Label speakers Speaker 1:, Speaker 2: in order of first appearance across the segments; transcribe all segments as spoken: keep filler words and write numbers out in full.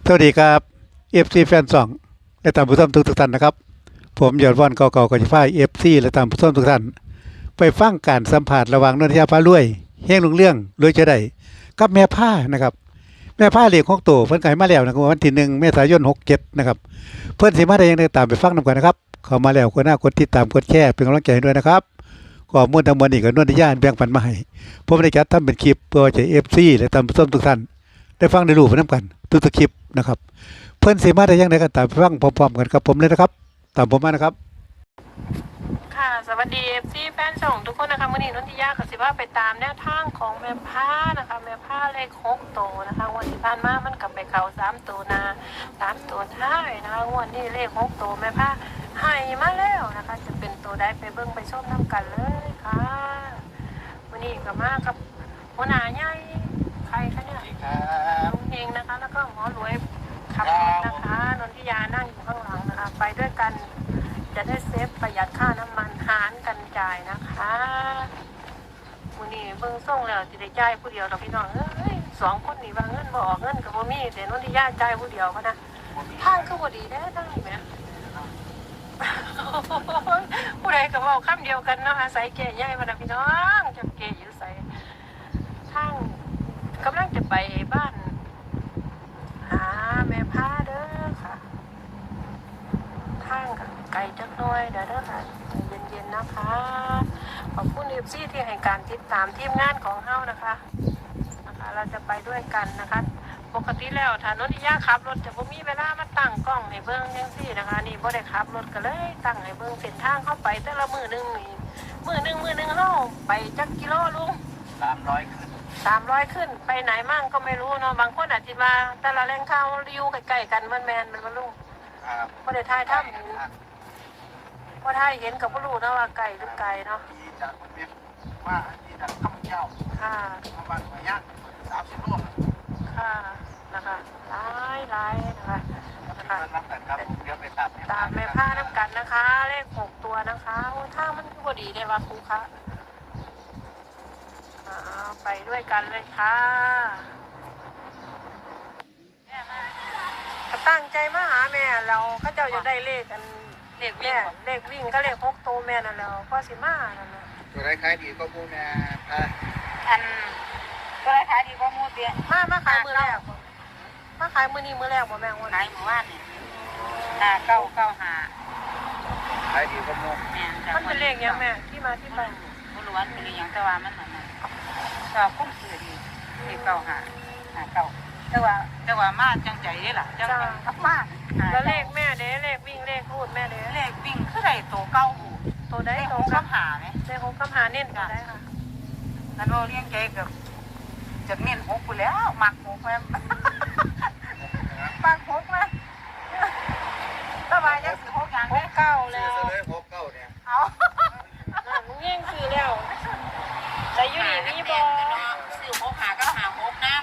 Speaker 1: วัสดีครับเอฟซีแฟนสองและตามผู้ชมทุกท่านนะครับผมยอดว่านเก่าๆกับฟ้าเอฟซีและตามผู้ชมทุกท่านไปฟังการสัมผัสระหว่างนนทยาฟ้ารวยเฮงลุงเรื่องรวยจะได้กับแม่ผ้านะครับแม่ผ้าเลี้ยงของโตเพิ่นขายมาแล้วนะครับวันที่หนึ่งเมษายนหกเจ็ดนะครับเพิ่นสิมาได้ยังไงตามไปฟังนำกันนะครับเข้ามาแล้วคนหน้ากดติดตามกดแชร์เป็นกำลังใจให้ด้วยนะครับข้อมูลทั้งหมดนี้ก็นนทยาแบ่งปันมาให้ผมได้จัดทำเป็นคลิปเพื่อจะเอฟซีและตามผู้ชมทุกท่านได้ฟังได้รู้ไปนำกันทุกๆคลิปนะครับเพื่อนสีมาได้ยังไงกันตามไปฟังพร้อมๆกันครับผมเลยนะครับตามผมมานะครับ
Speaker 2: ค่ะสวัสดีเอฟซีแฟนช่องทุกคนนะคะวันนี้นนทิยากับสิว่าไปตามแนวทางของแม่ผ้านะคะแม่ผ้าเลขหกโตนะคะวันที่ผ่านมามันกลับไปเข่าสามตัวนาสามตัวท้ายนะคะวันนี้เลขหกโตแม่ผ้าให้มาแล้วนะคะจะเป็นตัวได้ไปเบิ้งไปชมน้ำกันเลยค่ะวันนี้ก็มากับหัวหน้าใหญ่ใครคะเนี่ยลุงเฮงนะคะแล้วก็หมอรวยขับรถนะคะนนทิยานั่งอยู่ข้างหลังนะคะไปด้วยกันจะได้เซฟประหยัดค่าน้ำมันหารกันจ่ายนะคะวันนี้เบิ่งส่งแล้วจะได้จ่ายผู้เดียวเราพี่น้องเอ้ยสองคนนี่ว่าเงินบ่ออกเงินกับบ่มีแต่นนทิยาจ่ายผู้เดียวพะนะทางคือบ่ดีแท้ทั้งนี้แหมผู้ใดก็เว้าคำเดียวกันเนาะอาศัยแก่ใหญ่พะนะพี่น้องจะเก๋อยู่ไสทางกำลังจะไปบ้านหาแม่ผ้าเด้อค่ะทางไกลจักหน่อยเด้อเด้อค่ะเย็นๆนะคะขอบคุณเอฟซีที่ให้การติดตามทีมงานของเฮานะคะนะคะเราจะไปด้วยกันนะคะปกติแล้วถ้านนทิยาขับรถจะบ่มีเวลามาตั้งกล้องให้เบิ่งจังซี่นะคะนี่บ่ได้ขับรถก็เลยตั้งให้เบิ่งเส้นทางเข้าไปแต่ละมื้อนึงนี่มื้อนึงมื้อนึงเฮาไปจักกิโลลุง
Speaker 3: สามร้อยขึ้น
Speaker 2: สามร้อยขึ้นไปไหนมั่งก็ไม่รู้เนาะบางคนอาจจะมาแต่ละแหล่งข่าวอยู่ใกล้ๆกันมันแมนมันบ่ลุงพอได้ทายถ้ำเห็นพอทายเห็นกับพ่อรู้นะว่าไก่หรือไก่เนาะ
Speaker 3: ที่จากเว็บว่าที่จากข้าวเจ้า
Speaker 2: ค่ะ
Speaker 3: ประมาณระยะสามสิบโล
Speaker 2: ค่ะนะคะหลายหลายนะคะนะคะตามแม่ผ้าน้ำกันนะคะเลขหกตัวนะคะถ้ามันคือพอดีได้ว่าครูคะไปด้วยกันเลยค่ะตั้งใจมาหาแม่เราเขาเจ้าจะได้เลขกันเลขแม่เลขวิ่งก็เลขหกโตแม่นั่นแล้วก็สิมานั่นนะ
Speaker 3: ตัวไรขายดีก็มูแม่
Speaker 4: อันตัวไรขายดีก็มูเตี้ย
Speaker 2: มามาขายมือแรกมาขายมือนี้มือแรกบ่แม่วัน
Speaker 4: ไหนหมู่บ้านนี่หาเก้าเก้าหา
Speaker 3: ขายดีก็มู
Speaker 4: แม่
Speaker 2: มันเป็นเลขยังแม่ที่มาที่ไป
Speaker 4: บุรุษเป็นอย่างแต่ว่ามันเหมือนก็คุ้มสื่อดีที่เก้าหาหาเก้าแต่ว่าแต่ว่ามาจังใจนี่แหละจังทับมาก
Speaker 2: แล้วเลขแม่เด้เลขวิ่งเลขรูดแม่เด้
Speaker 4: เลขวิ่งคือไรตัวเก้า
Speaker 2: ตัวได้
Speaker 4: ตัวข้ามหาไหม
Speaker 2: เลขหกข้ามหาเน้นกันได้ค่ะ
Speaker 4: แล้วเราเลี้ยงใจกับจะเน้นหกไปแล้วหมักหกแม่หมักหกนะสบายยังสิหกอย่าง
Speaker 2: หกเก้าแล้ว
Speaker 3: หกเก้าเนี่ย
Speaker 4: เอา
Speaker 2: มึงแย่งซื้อแล้วแต่อยู่นี่มีบอ
Speaker 4: ซื้อหกหาก็หาหกน้ำ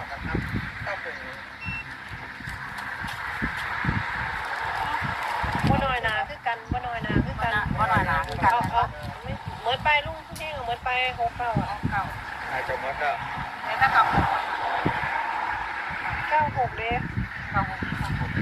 Speaker 2: บ่น้อยนาคือกันบ่น้อยนาคือกัน
Speaker 4: บ่น้อยนาคือกัน
Speaker 2: เหมือนไปลุงพี่แห้งเหมือนไปหกเก้าอ่ะ
Speaker 4: เก้า
Speaker 3: อาจจะหมดแล้ว
Speaker 4: แต่ถ้าเก้าหก
Speaker 2: เก้าหกเด้
Speaker 4: เก้าหก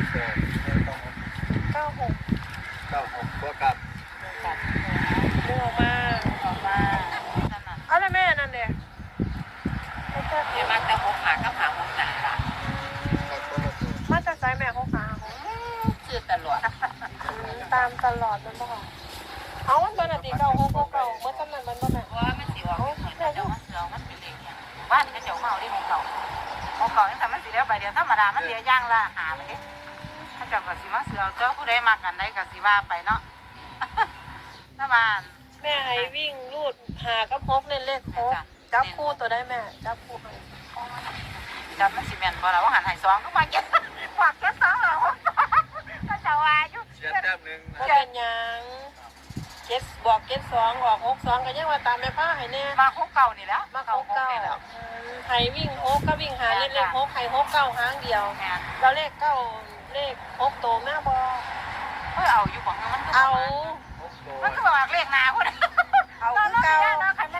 Speaker 2: เก้าหก
Speaker 3: เก้าหกตัวกับ
Speaker 2: ดึงออกมา
Speaker 4: ออกมา
Speaker 2: อะไรแม่นั่นเด้
Speaker 4: เดี๋ยวมาแต่หกหาก็หาหกหนาละ
Speaker 2: มาจะใช้แม่หกหา
Speaker 4: ซื้อตลอด
Speaker 2: ตามตลอดมันบ่เอามันเป็นอะไรเก่าหกเก่าเมื่อตอนนั้นมันบ่แม่
Speaker 4: ว่ามันสิว่าเจ้ามันเสือมันเป็นเด็กเนี่ยบ้านก็เจ้าเมาได้ของเก่าของเก่านี่แต่มันสิเดียวไปเดียวธรรมดามันเดียวย่างละหาไปดิถ้าเจ้าก็สิมาเสือเจ้าผู้ใดมากันได้ก็สิว่าไปเนาะถ้าบ้าน
Speaker 2: แม่ให้วิ่งรูดหากับพกเล่นเลขพกจับคู่ตัวได้แม่จับคู่ให้
Speaker 4: จับมันสิแม่นบ่ล่ะว่าหันให้สองก็มาเก็บฝากเก็บสองแล้วก็จะว่าอยู่
Speaker 3: เจ็ดแต้มหนึ่ง
Speaker 2: บ่เป็นหยังเจ็ดบอกเจ็ดสองออกหกสองก็ยังว่าตามแม่ผ้าให้แน่
Speaker 4: มาหกเก้านี่แหละ
Speaker 2: มาหกเก้าให้วิ่งหกก็วิ่งหาเล่นเลขหกให้หกเก้าหางเดียวเราเลขเก้าเลขหกโตแม่บ่
Speaker 4: เฮ้ยเอาอยู่บ่มัน
Speaker 2: เอา
Speaker 4: มันก็บอกเลขนาพุ่น
Speaker 2: เอาคือเก่า
Speaker 4: เนาะคันมัน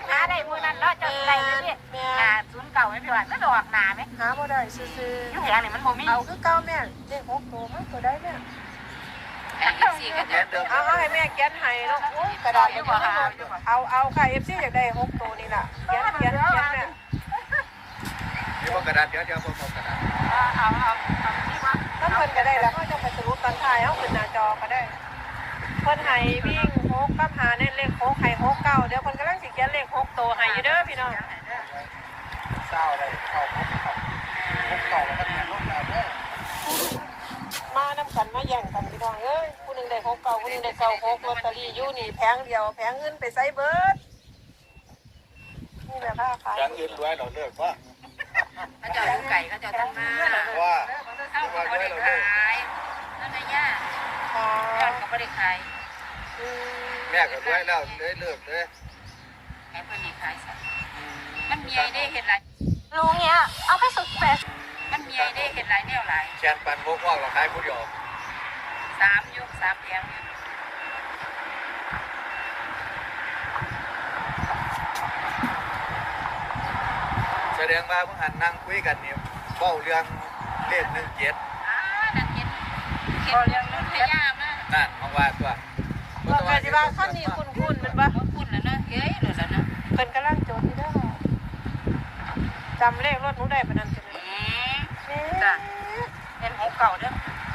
Speaker 4: หาได้มื้อนั้นเนาะเจ้าสิได้เลยนี่หาศูนย์เก่าไม่พี่ว่ามันดอกหนาไหม
Speaker 2: หาบ่ได้ซื่อ
Speaker 4: อยู่แหงนี่มันบ่มี
Speaker 2: ๆเอาคือเก่าแม่เลขหกตัวมันตัวได้แม่
Speaker 4: อันนี้สี่ก็
Speaker 3: เขียนเดิม
Speaker 2: เอาเอาให้แม่เขียนให้เนาะโอ้ยกระดาษอยู่บ่หาเอาเอาค่ะ เอฟ ซี อยากได้หกตัวนี่ล่ะเขียนเขียนเขียนแม่
Speaker 3: เดี๋ยวกระดาษเดี๋ยวเดี๋ยวผมเอากระดาษ
Speaker 4: เอาเอาเอาที่ว่า
Speaker 2: ถ้าเพิ่นก็ได้แล้วก็จะไปสรุปตอนท้ายเอาขึ้นหน้าจอก็ได้เพิ่นให้วิ่งหกกับหาในเลขหกให้หกเก้าเดี๋ยวเพิ่นกำลังสิเขียนเลขหกตัวให้อยู่เด้อพี่น้อง
Speaker 3: เศร้าเลยเข้าพบเข้าพบเข้าแล้วก็เขียนลงแล้วเด้อ
Speaker 2: มานำกันมาแย่งกันพี่น้องเอ้ยผู้หนึงได้หกเก้าผู้หนึงได้เก้าหกลอตเตอรี่อยู่นี่แผงเดียวแผงอื่นไปไสเบิดนี่แหละค่ะขาย
Speaker 3: อย่างอื่นด้วยเราเลิกว่า
Speaker 4: เขาจะเอาไก่เขาจะตั้งมา
Speaker 3: ว่า
Speaker 4: เข้ากับบริขายนั่นนะย่า
Speaker 2: ค่ะ
Speaker 4: ยอดกับบริขาย
Speaker 2: อืม
Speaker 3: แม่ก็ด้วยแล้วเลยเลิกเลย
Speaker 4: แอบเพิ่นมีขายสัตว์มันมีไอเด้เห็นหลาย
Speaker 5: ลุงเนี่ยเอาไปสุดแปด
Speaker 4: มันมีไอเด้เห็นหลายแนวหลาย
Speaker 3: แชนปันพวกว่าเราขายผู้เดียว
Speaker 4: สามยุคสามแผงอยู่
Speaker 3: แสดงว่าเพิ่งหันนั่งคุยกันนี่เบ้าเรื่องเลขหนึ่งเจ็ด
Speaker 4: อ่านั่นเห็นเห็นเรื่องนู้นพยามาก
Speaker 3: นั่นมองว่าตัว
Speaker 2: ว่าก็สิว่าคันนี้คุ้นๆมันบ่
Speaker 4: เขาพูดแล้วนะเฮ้ยหลุดแล้วนะ
Speaker 2: เพิ่นกำลังโจทย์อยู่เด้อจำเลขรถหนูได้ปานนั้นจังเลย
Speaker 4: อืมจ้ะเป็นหกเก่าเด้อ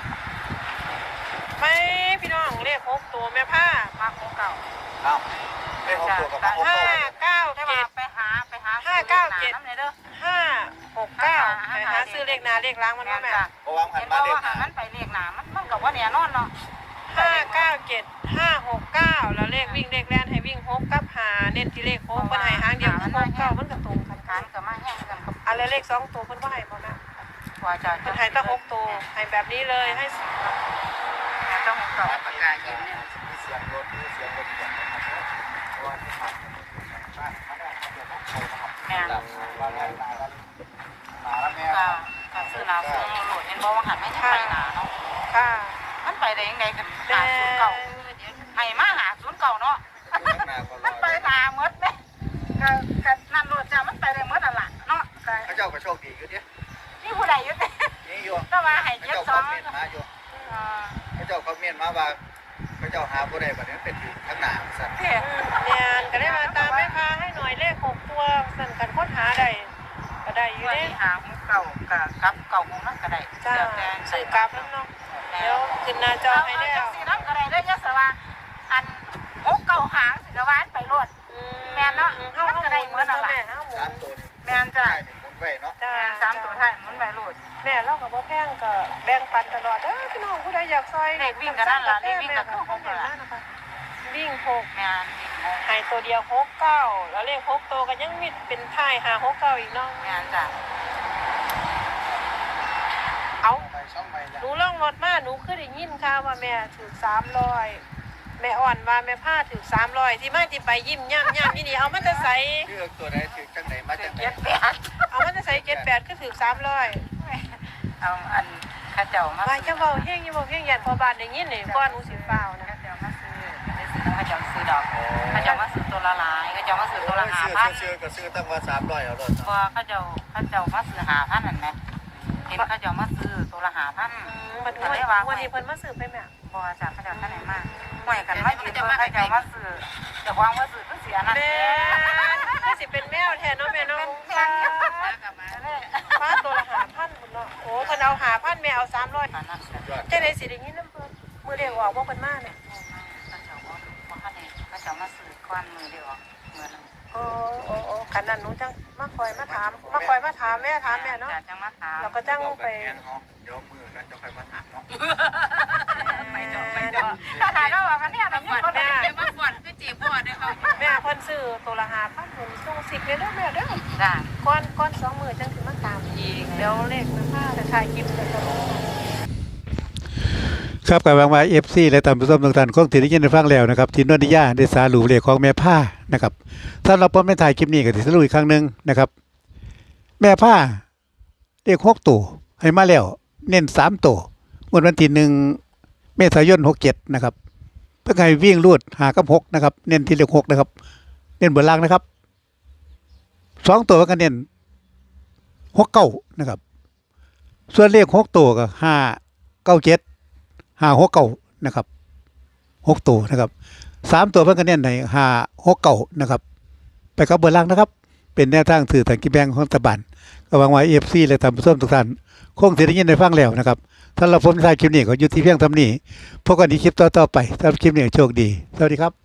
Speaker 2: ไม่พี่น้องเลขหกตัวแม่ผ้า
Speaker 4: มาหกเก่า
Speaker 3: เอ้าเลขหกตัวกับหก
Speaker 2: ห้า
Speaker 3: ตัว
Speaker 2: เก้า
Speaker 4: ได้
Speaker 2: เจ็
Speaker 4: มา
Speaker 2: ด
Speaker 4: ไปหาไปหา
Speaker 2: ห้าเก้าเจ็ด
Speaker 4: น้ำเลยเด้อ
Speaker 2: ห้าหกเก้าไปหาซื้อเลขหนาเลขล้างมัน
Speaker 4: แม่
Speaker 2: ว่าแม่
Speaker 4: จ้ะ
Speaker 3: เพราะว่าหั
Speaker 4: เห็
Speaker 3: น
Speaker 4: น
Speaker 3: มา
Speaker 4: บ่
Speaker 3: เลข
Speaker 4: ว่า
Speaker 3: หา
Speaker 4: มันไปเรียกหนามันมันกับว่าเนี่ยนอนเนาะ
Speaker 2: ห้าเก้าเจ็ดห้าหกเก้าแล้วเลขวิ่งเลขแล่นให้วิ่งหกกับหาเน้นที่เลขหกมันให้หางเดียวคือหกเก้ามันก็ตรงกัน
Speaker 4: กานกับมาแห้งกันกับ
Speaker 2: อะไรเลขสองตัวเพิ่นว่าให้บ่แม่
Speaker 4: กว่าจะ
Speaker 2: เพิ่นให้ตั้งหกตัวให้แบบนี้เลยให้
Speaker 4: ต้องหกเก่าประกาศยินเนี่ย
Speaker 3: มีเสียงรถมีเสียงรถเสียงนะครับเพราะว่าที่ผ่านบ้านเขาได้เขาจะต้องโทรมา
Speaker 4: แม่
Speaker 3: ครับว่าไงมาแล้วมาแล้วแม่
Speaker 4: ก็ก็ซื้อหนาซื้อโหลดเห็นบ่ว่าหันไม่ใช่ไปหนาเนาะ
Speaker 2: ค่ะ
Speaker 4: มันไปได้ยังไงกันหาศูนย์เก่าให้มาหาศูนย์เก่าเนาะ
Speaker 3: ข้างหน้าก็ร
Speaker 4: มั
Speaker 3: อน
Speaker 4: ไปหนาเมดไหมก็ก็นั่นโหลดจ้ามันไปได้เมดอ่ะล่ะเนาะก็
Speaker 3: เขาเจ้าก็โชคดีอยู่ดิ
Speaker 4: นี่ผู้ใดอยู่แต่
Speaker 3: นี่อยู่
Speaker 4: ก็ว่าให้
Speaker 3: เขา
Speaker 4: เจ็ด
Speaker 3: เจ้า
Speaker 4: ส
Speaker 3: ค
Speaker 4: อ
Speaker 3: อง มเมนต์มาอยู่เขาเจ้าคอมเมนต์มาว่าเขาเจ้าหาผู้ใดบัดนี้เป็นอยู่ข้างหน้าสั่น
Speaker 4: เท่
Speaker 2: เนี่ยก็ได้มาตามแม่ค้าให้หน่อยเลขหกตัวสั่นกันค้นหาได้ก็ได้อยู่
Speaker 4: วัน
Speaker 2: เด้
Speaker 4: นี้หาเก่ากับกับเก่าคงนั่นก็ได้
Speaker 2: จ้า
Speaker 4: เดี๋ยวแต่
Speaker 2: ซื้อกลับแล้วเนาะเดี๋ยวขึ้นหน้าจอให้แล้ว
Speaker 4: สีน้ำก็ได้เด้อยะสว่าอันหกเก่าหางสิกวานไปรถ แม่นเนาะ
Speaker 2: เฮาเฮาก็ได้เหมือนนั่นแหละเฮาหมุ
Speaker 3: สาม
Speaker 2: น
Speaker 3: ตัวนี่
Speaker 4: แม่นจ้ะ
Speaker 3: ใช่นี่หมุนไว้เนาะ
Speaker 2: จ้า
Speaker 4: สามตัวท้ายมันไปรถ
Speaker 2: แม่เราก็บ่แพงก็แบ่งปันตลอดเด้อพี่น้องผู้ใดอยากซอย
Speaker 4: เลขวิ่งก็นั่นล่ะเลขวิ่งก็คือหก
Speaker 2: แม่
Speaker 4: ล่ะ
Speaker 2: นะคะวิ่งหก
Speaker 4: แม่น
Speaker 2: ให้ตัวเดียวหกเก้าแล้วเลขหกตัวก็ยังมีเป็นท้ายหาหกเก้าอีกเนาะ
Speaker 4: แม่นจ้ะ
Speaker 2: เอา
Speaker 3: ไปช่องไป
Speaker 2: หนูล่องรถมาหนูคือได้ยินข่าวว่าแม่ถือสามร้อยแม่อ่อนว่าแม่ผ้าถือสามร้อยที่มาที่ไปยิ้มย่ำย่ำนี่นี่เอามาจะใส่
Speaker 3: เลือกตัวใดถือจังไหนมาจังไหน
Speaker 4: เจ็ดแปด
Speaker 2: เอามาจะใส่เจ็ดแปดคือถือสามร้อย
Speaker 4: เอาอันข้าเจ้ามา
Speaker 2: ว่าจะเบาเฮงอยังเบาเฮงยันพอบานได้ยินนี่ก้อนหนูสิเปล่านะ
Speaker 4: ข้าเจ้ามาซื้อได้ซื้อข้าเจ้าซื้อดอกข้าเจ้ามาซื้อตัวละหลายข้าเจ้ามาซื้อตัวละห้าพัน
Speaker 3: ซื้อก็ซื้อตั้งว่าสามร้อยเอารถ
Speaker 4: พอข้าเจ้าข้าเจ้ามาซื้อห้าพันนั่นไหมเห็นข้าเจ้ามาซื้อตัวละห้าพัน
Speaker 2: มันวันวันนี้เพิ่นมาสืบไปแม่
Speaker 4: บ่จากข้าเจ้าท่านไหนมาห่วยกันมายืนเพิ่นข้าเจ้ามาซื้อแต่วางมาซื้อก็เสียนั่น
Speaker 2: แม่ก็สิเป็นแมวแทนเนาะแม่เนาะ
Speaker 4: เป็นแพงเยอะกลับมาเลย
Speaker 2: ฟ้าตัวละหาพันพุ่นเนาะโอ้เพิ่นเอาหาพันแม่เอาสามร้อย
Speaker 4: อันนั้นเสีย
Speaker 3: ยอด
Speaker 2: จังได๋สิได้ยินนำเพิ่นมื้อเดียวออกบ่เพิ่นมาเนี่ย
Speaker 4: ข้าเจ้าว่าว่าข้าเนี่ยข้าเจ้ามาซื้อก้อนมือเดียวเมื่อนั้น
Speaker 2: โอ้โอ้โอ้คันนั้นหนูจังมาคอยมาถามมาคอยมาถามแม่ถามแม่เนาะ
Speaker 4: จังมาถาม
Speaker 2: เราก็จังไป
Speaker 3: เดี๋ยวมือนั้นจะค่อยมาถามเนาะ
Speaker 4: ไปจบไปจบขนาดเราบอกกันเนี่ยเราไม่คนได้มาก่อนก็จีบพ่อได้เขา
Speaker 2: แม่เพิ่นซื้อตัวละหาพันเพิ่นส่งสิบเลยเด้อแม่เด้อ
Speaker 4: จ้า
Speaker 2: ก้อนก้อนสองมื้อจังสิมาตามอีกเดี๋ยวเลขแม่พาจะถ่ายคลิปจะตลอด ครับกับวางไว้ เอฟ ซี และตามผู้ชมทุกท่านคงถือได้ยินได้ฟังแล้วนะครับที่นวนิยาได้สารุปเลขของแม่ผ้านะครับสำหรับผมในถ่ายคลิปนี้ก็สิสรุปอีกครั้งหนึงนะครับ แม่ผ้าเลขหกตัวให้มาแล้วเน้นสามตัวงวดวันที่หนึ่งเมษายนหกเจ็ดนะครับเพื่อให้วิ่งรูดหากับหกนะครับเน้นที่เลขหกนะครับเน้นบนล่างนะครับ
Speaker 1: สองตัวกันเน้นหกเก้านะครับ ส่วนเลขหกตัวก็ห้าเก้าเจ็ดห้าหกเก้านะครับหกตัวนะครับสามตัวเพิ่นก็เน้นในห้าหกเก้านะครับ ไปกับเบอร์ล่างนะครับ เป็นแนวทางสื่อทางกิแบงของรัฐบาลก็หวังว่าเอฟซีและท่านผู้ชมทุกท่านคงสิได้ยินได้ฟังแล้วนะครับถ้าเราพ้นท้ายคลิปนี้ก็อยู่ที่เพียงเท่านี้พบกันในคลิปต่อๆไปสำหรับคลิปนี้โชคดีสวัสดีครับ